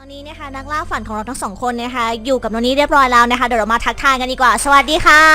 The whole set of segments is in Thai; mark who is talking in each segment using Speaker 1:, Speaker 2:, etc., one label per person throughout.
Speaker 1: อนนี้นะคะนักล่าฝันของเราทั้งสองคนนะคะอยู่กับโนนี่เรียบร้อยแล้วนะคะเดี๋ยวเรามาทักทายกันดีกว่าสวัสดีค่ะ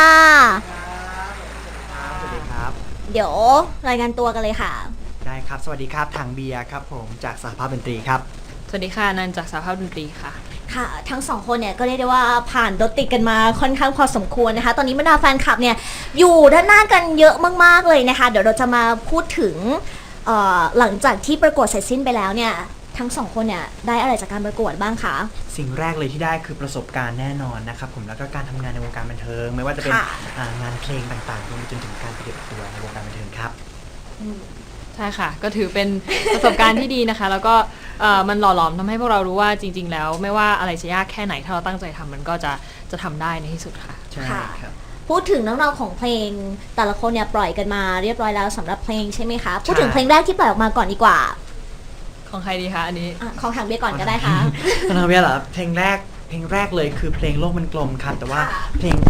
Speaker 2: สวัสดีครับ
Speaker 1: เดี๋ยวรายงานตัวกันเลยค่ะ
Speaker 2: ได้ครับสวัสดีครับถังเบียร์ครับผมจากสหภาพดนตรีครับ
Speaker 3: สวัสดีค่ะนันจากสหภาพดนตรีค่ะ
Speaker 1: ค่ะทั้งสองคนเนี่ยก็เรียกได้ว่าผ่านรถติดกันมาค่อนข้างพอสมควรนะคะตอนนี้บรรดาแฟนคลับเนี่ยอยู่ด้านหน้ากันเยอะมากๆเลยนะคะเดี๋ยวเราจะมาพูดถึงหลังจากที่ประกวดเสร็จสิ้นไปแล้วเนี่ยทั้งสองคนเนี่ยได้อะไรจากการประกวดบ้างคะ
Speaker 2: สิ่งแรกเลยที่ได้คือประสบการณ์แน่นอนนะครับผมแล้วก็การทำงานในวงการบันเทิงไม่ว่าจะเป็นงานเพลงต่างๆรวมไปจนถึงการปฏิบัติตัวในวงการบันเทิงครับ
Speaker 3: ใช่ค่ะก็ถือเป็นประสบการณ์ที่ดีนะคะแล้วก็มันหล่อหลอมทำให้พวกเรารู้ว่าจริงๆแล้วไม่ว่าอะไรจะยากแค่ไหนถ้าเราตั้งใจทำมันก็จะทำได้ในที่สุดค่ะ
Speaker 2: ใช่ครับ
Speaker 1: พูดถึงเรื่องราวของเพลงแต่ละคนเนี่ยปล่อยกันมาเรียบร้อยแล้วสำหรับเพลงใช่ไหมคะพูดถึงเพลงแรกที่ปล่อยออกมาก่อนดีกว่า
Speaker 3: ของใครดีคะอันนี้
Speaker 1: ของทางเบียก่อนก็ได้ค่ะ
Speaker 2: ของทางเบียเหรอเพลงแรกเลยคือเพลงโลกมันกลมครับแต่ว่าเพลง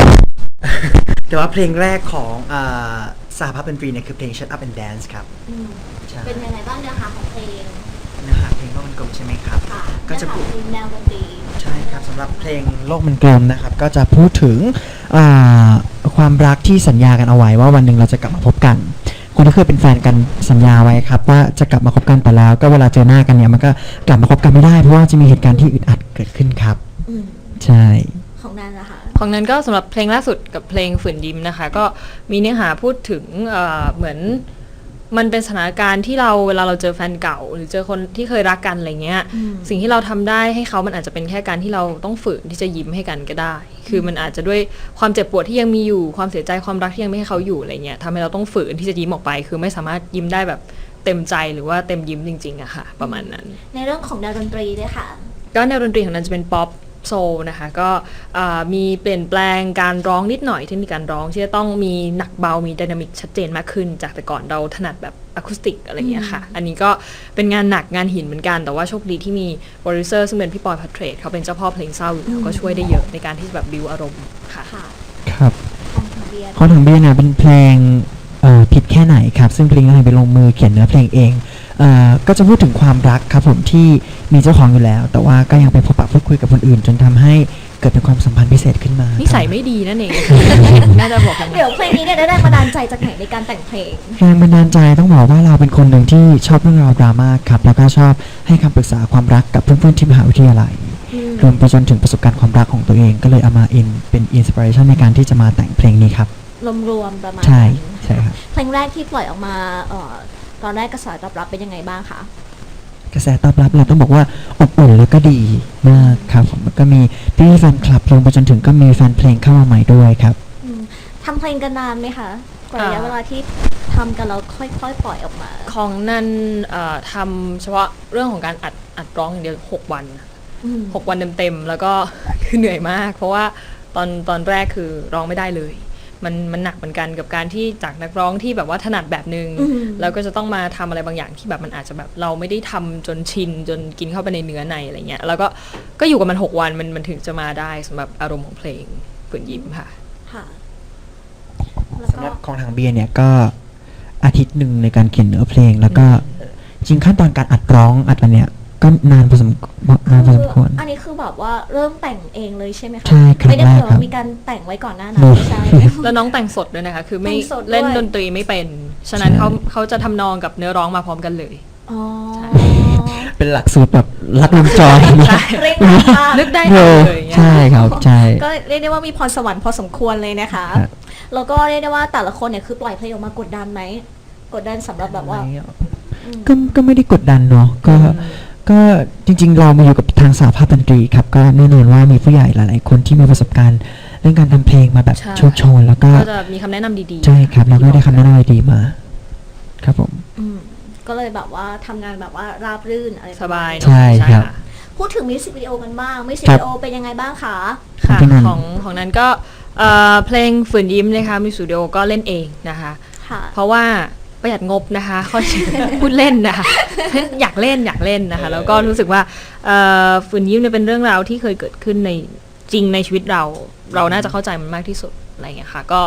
Speaker 2: แรกของสหภาพดนตรีเนี่ยคือเพลง Shut Up and Dance ครับ
Speaker 1: เป็นยังไงบ้างเนื้อหาของเพลง
Speaker 2: เพลงโลกมันกลมใช่ไหมครับ
Speaker 1: ก็จะพูดแนวดนตรี
Speaker 2: ใช่ครับสำหรับเพลงโลกมันกลมนะครับก็จะพูดถึงความรักที่สัญญากันเอาไว้ว่าวันหนึ่งเราจะกลับมาพบกันคนที่เคยเป็นแฟนกันสัญญาไว้ครับว่าจะกลับมาคบกันแต่แล้วก็เวลาเจอหน้ากันเนี่ยมันก็กลับมาคบกันไม่ได้เพราะว่าจะมีเหตุการณ์ที่อึดอัดเกิดขึ้นครับใช่
Speaker 1: ของนั้นนะคะ
Speaker 3: ของนั้นก็สำหรับเพลงล่าสุดกับเพลงฝืนยิ้มนะคะก็มีเนื้อหาพูดถึงเหมือนมันเป็นสถานการณ์ที่เวลาเราเจอแฟนเก่าหรือเจอคนที่เคยรักกันอะไรเงี้ยสิ่งที่เราทำได้ให้เขามันอาจจะเป็นแค่การที่เราต้องฝืนที่จะยิ้มให้กันก็ได้คือมันอาจจะด้วยความเจ็บปวดที่ยังมีอยู่ความเสียใจความรักที่ยังไม่ให้เขาอยู่อะไรเงี้ยทำให้เราต้องฝืนที่จะยิ้มออกไปคือไม่สามารถยิ้มได้แบบเต็มใจหรือว่าเต็มยิ้มจริงๆอะค่ะประมาณนั้น
Speaker 1: ในเรื่องของแนวดนตรีด้วยค่ะ
Speaker 3: ก็แนวดนตรีของนั้นจะเป็นป๊อปโซลนะคะก็มีเปลี่ยนแปลงการร้องนิดหน่อยเทคนิคการร้องที่จะต้องมีหนักเบามีไดนามิกชัดเจนมากขึ้นจากแต่ก่อนเราถนัดแบบอะคูสติกอะไรอย่างเงี้ยค่ะอันนี้ก็เป็นงานหนักงานหินเหมือนกันแต่ว่าโชคดีที่มีโปรดิวเซอร์ซึ่งเป็นพี่ปอยพัทเทรดเขาเป็นเจ้าพ่อเพลงเศร้าอยู่แล้วก็ช่วยได้เยอะในการที่จะแบบบิวอารมณ์ค่ะ
Speaker 2: ครับของถังเบียร์เนี่ยเป็นเพลงผิดแค่ไหนครับซึ่งเพลงนั้นไปลงมือเขียนเนื้อเพลงเองก็จะพูดถึงความรักครับผมที่มีเจ้าของอยู่แล้วแต่ว่าก็ยังไปพบปะพูดคุยกับคนอื่นจนทำให้เกิดเป็นความสัมพันธ์พิเศษขึ้นมา
Speaker 3: นิสัยไม่ดีนั่นเองน่าจะบอก
Speaker 1: เดี๋ยวเพลงนี้เนี่ยได้แรงบันดาลใจจากไหนในการแต่งเพลง
Speaker 2: แรงบันดาลใจต้องบอกว่าเราเป็นคนหนึ่งที่ชอบเรื่องราวดราม่าครับแล้วก็ชอบให้คำปรึกษาความรักกับเพื่อนๆที่มหาวิทยาลัยรวมไปจนถึงประสบการณ์ความรักของตัวเองก็เลยเอามาเป็นอินสปิเรชันในการที่จะมาแต่งเพลงนี้ครับ
Speaker 1: รวมประมาณ
Speaker 2: ใช่ครับ
Speaker 1: เพลงแรกที่ปล่อยออกมาตอนแรกกระแสตอบรับเป็นยังไงบ้างคะ
Speaker 2: กระแสตอบรับเราต้องบอกว่าอบอุ่นแล้วก็ดีมากครับผมก็มีพี่แฟนคลับลงไปจนถึงก็มีแฟนเพลงเข้ามาใหม่ด้วยครับ
Speaker 1: ทำเพลงกันนานไหมคะกว่าระยะเวลาที่ทำกันแล้วค่อยๆปล่อยออกมา
Speaker 3: ของนั้นทำเฉพาะเรื่องของการอัดร้องอย่างเดียว6 วัน6 วันเต็มๆแล้วก็คือเหนื่อยมากเพราะว่าตอนแรกคือร้องไม่ได้เลยมันหนักเหมือนกันกับการที่จากนักร้องที่แบบว่าถนัดแบบนึงแล้วก็จะต้องมาทำอะไรบางอย่างที่แบบมันอาจจะแบบเราไม่ได้ทำจนชินจนกินเข้าไปในเนื้อในอะไรเงี้ยแล้วก็อยู่กับมัน6 วันมันถึงจะมาได้สำหรับอารมณ์ของเพลงฝืนยิ้มค่ะ
Speaker 2: สำหรับของทางเบียร์เนี่ยก็อาทิตย์หนึ่งในการเขียนเนื้อเพลงแล้วก็จริงขั้นตอนการอัดร้องอัดอะไรเนี่ยก็นานพอสมควร
Speaker 1: อันนี้คือแบบว่าเริ่มแต่งเองเลยใช่ไหมคะ
Speaker 2: ใช่ครับ
Speaker 1: ไม่ได้เผื่อมีการแต่งไว้ก่อนหน้านั้นใช่
Speaker 3: แล้วน้องแต่งสดด้วยนะคะคือไม่เล่นดนตรีไม่เป็นฉะนั้นเขาจะทำนองกับเนื้อร้องมาพร้อมกันเลย
Speaker 2: เป็นหลักสูตรแบบรัดวงจร
Speaker 3: นึกได้เลย
Speaker 2: ใช่ครับใช่
Speaker 1: ก็เรียกได้ว่ามีพรสวรรค์พอสมควรเลยนะคะแล้วก็เรียกได้ว่าแต่ละคนเนี่ยคือปล่อยเพลงออกมากดดันไหมกดดันสำหรับแบบว่า
Speaker 2: ก็ไม่ได้กดดันเนาะก็จริงๆเรามาอยู่กับทางสหภาพดนตรีครับก็แน่นอนว่ามีผู้ใหญ่หลายๆคนที่มีประสบการณ์เรื่องการทำเพลงมาแบบโชคโชนแล้วก็
Speaker 3: จะมีคำแนะนำดี
Speaker 2: ๆใช่ครับเราก็ได้คำแนะนำดีมาครับผม
Speaker 1: ก็เลยแบบว่าทำงานแบบว่าราบรื่นอะไร
Speaker 3: สบาย
Speaker 2: ใช่ครับ
Speaker 1: พูดถึงมิวสิกวิดีโอกันบ้างมิวสิกวิดีโอเป็นยังไงบ้างคะ
Speaker 3: ค่ะของนั้นก็เพลงฝืนยิ้มนะคะมิวสิกวิดีโอก็เล่นเองนะคะเพราะว่าประหยัดงบนะคะเขาพูดเล่นนะคะอยากเล่นนะคะแล้วก็รู้สึกว่าฝืนยิ้มเนี่ยเป็นเรื่องราวที่เคยเกิดขึ้นในจริงในชีวิตเราน่าจะเข้าใจมันมากที่สุดอะไรอย่างเงี้ยค่ะก็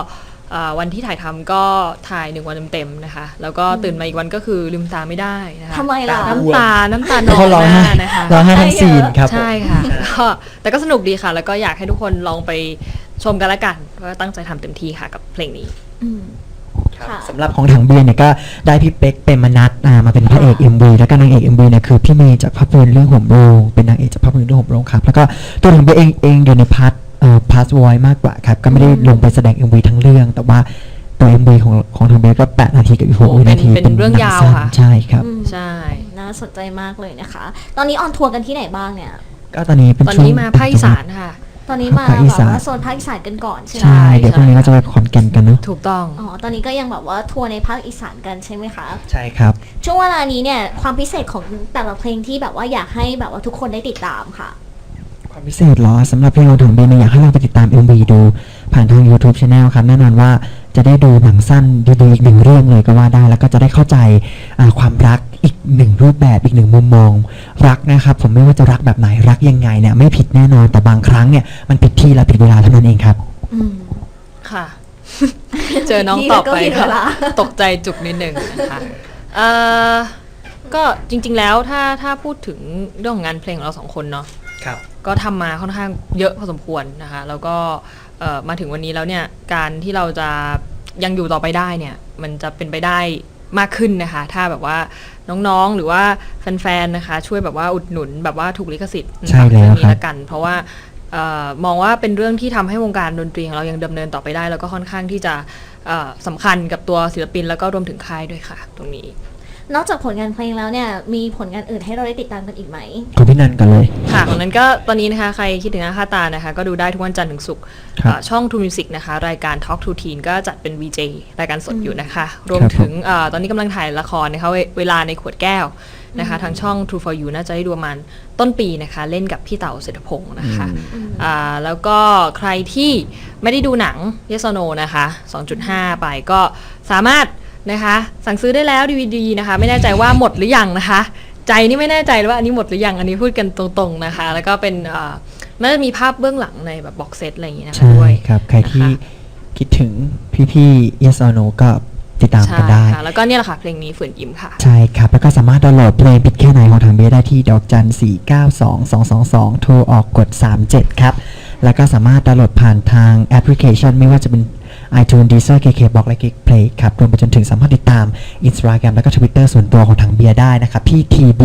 Speaker 3: วันที่ถ่ายทำก็ถ่าย1 วันเต็มๆนะคะแล้วก็ตื่นมาอีกวันก็คือลืมตาไม่ได้นะคะ
Speaker 1: ทำไมล่ะ
Speaker 3: น้ำตานอง
Speaker 2: เขาร้อง
Speaker 3: ห
Speaker 2: ไห้
Speaker 3: น้านะคะ
Speaker 2: ร้องไห้ทั้งซีนครับผม
Speaker 3: ใช่ค่ะก็แต่ก็สนุกดีค่ะ แล้วก็อยากให้ทุกคนลองไปชมกันละกันว่าตั้งใจทำเต็มที่ค่ะกับเพลงนี้
Speaker 1: อืมค่ะ
Speaker 2: สำหรับของถังเบียร์เนี่ยก็ได้พี่เป๊กเปรมนัทมาเป็นพระเอก MV แล้วก็นางเอก MV เนี่ยคือพี่เมย์จากภาพยนตร์เรื่องห่มโรงเป็นนางเอกจากภาพยนตร์เรื่องห่มโรงครับแล้วก็ตัวถังเบียร์เองอยู่ในพาร์ทวอยมากกว่าครับก็ไม่ได้ลงไปแสดง MV ทั้งเรื่องแต่ว่าตัว MV ของถังเบียร์ก็8 นาทีกับอีก6 วินาที
Speaker 3: เป็นเรื่องยาวค่ะ
Speaker 2: ใช่ครับ
Speaker 3: ใช่
Speaker 1: น่าสนใจมากเลยนะคะ ตอนนี้ออนทัวร์กันที่ไหนบ้างเนี่ย
Speaker 2: ก็ตอนนี้เป็น
Speaker 3: ตอน
Speaker 2: ช่วง
Speaker 3: นี้มาภาคอีสานค่ะ
Speaker 1: ตอนนี้มา
Speaker 2: ภาคอี
Speaker 1: แบบ
Speaker 2: สาน
Speaker 1: ว่าโซนภาคอีสานกันก่อนใช่ไหม
Speaker 2: ใช่เดี๋ยวพรุ่งนี้ก็จะไปขอนแก่นกันเนาะ
Speaker 3: ถูกต้อง
Speaker 1: อ๋อ ตอนนี้ก็ยังแบบว่าทัวร์ในภาคอีสานกันใช่ไหมคะ
Speaker 2: ใช่ครับ
Speaker 1: ช่วงเวลานี้เนี่ยความพิเศษของแต่ละเพลงที่แบบว่าอยากให้แบบว่าทุกคนได้ติดตามค่ะ
Speaker 2: ความพิเศษเหรอสำหรับเพลงของถังเบียร์เนี่ยอยากให้เราไปติดตาม MV ดูผ่านทาง YouTube Channel ครับแน่นอนว่าจะได้ดูหนังสั้นดีๆอีกหนึ่งเรื่องเลยก็ว่าได้แล้วก็จะได้เข้าใจความรักอีกหนึ่งรูปแบบอีกหนึ่งมุมมองรักนะครับผมไม่ว่าจะรักแบบไหนรักยังไงเนี่ยไม่ผิดแน่นอนแต่บางครั้งเนี่ยมันผิดที่และผิดเวลาเท่านั้นเองครับ
Speaker 1: อืม
Speaker 3: ค่ะ เจอน้องตอบไป
Speaker 1: ที่แล้วก็ผิดเว
Speaker 3: ค่ะ
Speaker 1: ลา
Speaker 3: ตกใจจุกนิดหนึ่งนะคะก็จริงๆแล้วถ้าพูดถึงเรื่องของงานเพลงของเรา2 คนเนาะ
Speaker 2: ครับ
Speaker 3: ก็ทำมาค่อนข้างเยอะพอสมควรนะคะแล้วก็มาถึงวันนี้แล้วเนี่ยการที่เราจะยังอยู่ต่อไปได้เนี่ยมันจะเป็นไปได้มากขึ้นนะคะถ้าแบบว่าน้องๆหรือว่าแฟนๆนะคะช่วยแบบว่าอุดหนุนแบบว่าถูกลิขสิทธิ์
Speaker 2: ใช่แล้ว
Speaker 3: เรื่อง
Speaker 2: ครั
Speaker 3: นี้
Speaker 2: บ
Speaker 3: ละกัน เพราะว่ามองว่าเป็นเรื่องที่ทำให้วงการดนตรีของเรายังดำเนินต่อไปได้ แล้วก็ค่อนข้างที่จะสำคัญกับตัวศิลปินแล้วก็รวมถึงค่ายด้วยค่ะ ตรงนี้
Speaker 1: นอกจากผลงานเพลงแล้วเนี่ยมีผลงานอื่นให้เราได้ติดตามกันอีกไหม
Speaker 2: คุณพี่นันกันเลย
Speaker 3: ค่ะของนั้นก็ตอนนี้นะคะใครคิดถึงหน้าค่าตานะคะก็ดูได้ทุกวันจันทร์ถึงศุกร์
Speaker 2: ครับ
Speaker 3: ช่อง True Music นะคะรายการ Talk to Teen ก็จัดเป็น VJ รายการสดอยู่นะคะ รวม
Speaker 2: ครับ
Speaker 3: ถึงตอนนี้กำลังถ่ายละครนะคะเวลาในขวดแก้วนะคะทางช่อง True for You น่าจะได้ดูประมาณต้นปีนะคะเล่นกับพี่เต๋าเศรษฐพงศ์นะคะแล้วก็ใครที่ไม่ได้ดูหนัง Yes or No นะคะ 2.5 ไปก็สามารถนะคะสั่งซื้อได้แล้ว DVD นะคะไม่แน่ใจว่าหมดหรือยังนะคะใจนี่ไม่แน่ใจเลยว่าอันนี้หมดหรือยังอันนี้พูดกันตรงๆนะคะแล้วก็เป็นน่าจะมีภาพเบื้องหลังในแบบบ็อกเซตอะไรอย่างงี้นะคะ
Speaker 2: ใช่
Speaker 3: ด้วย
Speaker 2: ครับใครที่
Speaker 3: นะคะ
Speaker 2: คิดถึงพี่ๆ Yes or No ก็ติดตามกันได้
Speaker 3: ใช่ค่ะแล้วก็เนี่ยแหละค่ะเพลงนี้ฝืนยิ้มค่ะ
Speaker 2: ใช่ครับ แล้วก็สามารถดาวน์โหลดเพลงผิดแค่ไหนของทางเบียร์ได้ที่ดอกจัน 492-222 โทรออกกด 37 ครับ แล้วก็สามารถดาวน์โหลดผ่านทางแอปพลิเคชันไม่ว่าจะเป็น iTunes Deezer KKBox และ Geekplay ครับ รวมไปจนถึงสามารถติดตาม Instagram แล้วก็ Twitter ส่วนตัวของทางเบียร์ได้นะครับที่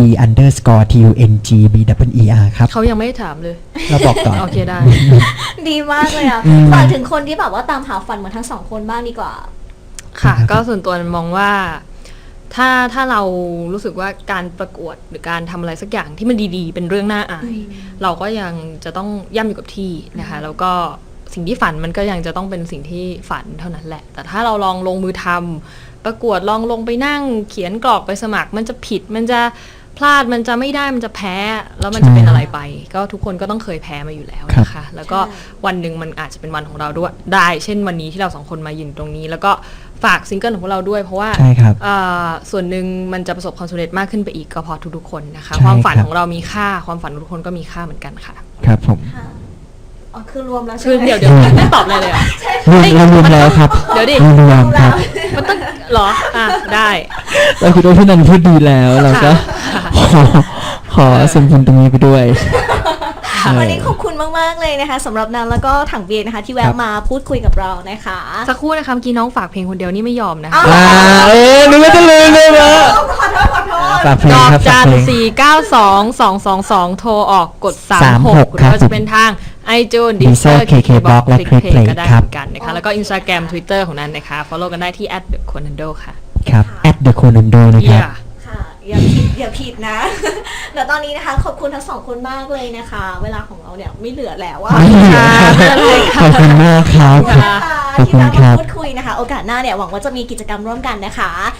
Speaker 2: tb_tungbwer ครับ
Speaker 3: เขายังไม่ได้ถามเลย
Speaker 2: เราบอกก่อน
Speaker 3: โอเคได้
Speaker 1: ดีมากเลยอ่ะ
Speaker 2: อืม
Speaker 1: ฝากถึงคนที่แบบว่าตามหาฝันเหมือนทั้งสองคนบ้างดีกว่า
Speaker 3: ค่ะ
Speaker 2: ครับ
Speaker 3: ก็ส่วนตัวมองว่าถ้าเรารู้สึกว่าการประกวดหรือการทำอะไรสักอย่างที่มันดีๆ เป็นเรื่องน่าอาย เราก็ยังจะต้องย่ำอยู่กับที่นะคะแล้วก็สิ่งที่ฝันมันก็ยังจะต้องเป็นสิ่งที่ฝันเท่านั้นแหละ แต่ถ้าเราลองลงมือทำประกวดลองลงไปนั่งเขียนกรอกไปสมัคร มันจะผิดมันจะพลาดมันจะไม่ได้มันจะแพ้แล้วมันจะเป็นอะไรไป ก็ทุกคนก็ต้องเคยแพ้มาอยู่แล้วนะคะแล้วก็วันหนึ่งมันอาจจะเป็นวันของเราด้วยได้เช่นวันนี้ที่เราสองคนมายืนตรงนี้ แล้วก็ฝากซิงเกิลของพวกเราด้วยเพราะว่า
Speaker 2: ใช่ครับ
Speaker 3: ส่วนหนึ่งมันจะประสบความสำเร็จมากขึ้นไปอีกก็เพอทุกๆคนนะคะ
Speaker 2: ใช่
Speaker 3: ความฝัน
Speaker 2: ครับ
Speaker 3: ของเรามีค่าความฝันของทุกคนก็มีค่าเหมือนกันค่ะ
Speaker 2: ครับผม
Speaker 1: ค่ะอ๋อคือรวมแล้วใช่
Speaker 3: คือ
Speaker 1: ไหม
Speaker 3: เดี๋ยวไม่ตอบอะไรเลยเหรอ่ะ
Speaker 2: เรารวมแล้วครับ
Speaker 3: เดี๋ยวดิ
Speaker 2: เรารวมครับ
Speaker 3: มันต้องเหรอได้
Speaker 2: เราคิดว่าพี่นันพูดดีแล้วเราก็
Speaker 3: ค่ะ
Speaker 2: ขอสมทุนตรงนี้ไปด้วย
Speaker 1: วันนี้ขอบคุณมากๆเลยนะคะสำหรับนันแล้วก็ถังเบียร์นะคะ ที่
Speaker 2: ครั
Speaker 1: แวะ
Speaker 2: บ
Speaker 1: มาพูดคุยกับเรานะคะ
Speaker 3: สักครู่นะคะเมื่อกี้น้องฝากเพลงคนเดียวนี่ไม่ยอมนะคะ
Speaker 2: นึกว่าจะลืมเลยนะฝากเพล
Speaker 3: ด
Speaker 2: ง
Speaker 3: อก
Speaker 2: ครับ
Speaker 3: จั
Speaker 2: ฝาก
Speaker 3: น
Speaker 2: เพลง
Speaker 3: 492-222 โทรออกกด
Speaker 2: 36
Speaker 3: 36หรือว่าจะเป็นทาง iTunes
Speaker 2: Deezer
Speaker 3: Deezer
Speaker 2: KKBox และ Clickplay
Speaker 3: ก็ได้
Speaker 2: ครับ
Speaker 3: เหมือนกันนะคะแล้วก็ Instagram Twitter ของนั้นนะคะ follow กันได้ที่ @theconando ค่ะ
Speaker 2: ครับ @theconando นะครับ
Speaker 3: Yeah
Speaker 1: ค่ะอย่าผิดนะ เดี๋ยวตอนนี้นะคะขอบคุณทั้งสองคนมากเลยนะคะ เวลาของเราเนี่ยไม่เหลือแล้วว่า
Speaker 2: ไม่เหลือ ขอบคุณมากครับ
Speaker 1: ขอบคุณนะคะ
Speaker 2: ขอบ
Speaker 1: ที่
Speaker 2: คุณ
Speaker 1: มา
Speaker 2: ครับ
Speaker 1: พูดคุยนะคะ โอกาสหน้าเนี่ยหวังว่าจะมีกิจกรรมร่วมกันนะคะ